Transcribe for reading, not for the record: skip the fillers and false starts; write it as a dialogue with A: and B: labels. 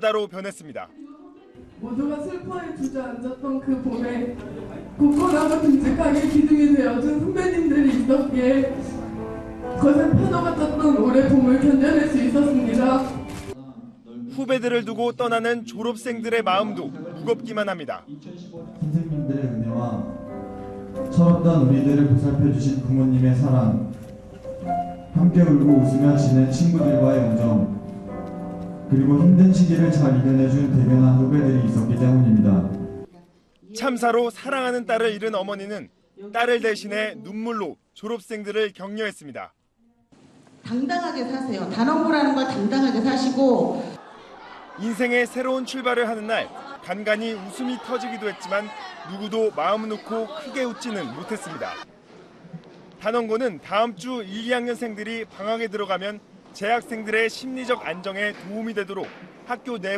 A: 바다로 변했습니다.
B: 모두가 슬퍼에 주저앉았던 그 봄에 굳건하고 듬직하게 기둥이 되어준 선배님들이 있었기에 거센 파도가 떴던 올해 봄을 견뎌낼 수 있었습니다.
A: 후배들을 두고 떠나는 졸업생들의 마음도 무겁기만 합니다.
C: 선생님들의 은혜와 철없던 우리들을 보살펴주신 부모님의 사랑, 함께 울고 웃으며 지낸 친구들과의 우정, 그리고 힘든 시기를 잘 이겨내준 대견한 후배들이 있었기 때문입니다.
A: 참사로 사랑하는 딸을 잃은 어머니는 딸을 대신해 눈물로 졸업생들을 격려했습니다.
D: 당당하게 사세요. 단원고라는 걸 당당하게 사시고
A: 인생의 새로운 출발을 하는 날 간간히 웃음이 터지기도 했지만 누구도 마음 놓고 크게 웃지는 못했습니다. 단원고는 다음 주 1, 2학년생들이 방학에 들어가면 재학생들의 심리적 안정에 도움이 되도록 학교 내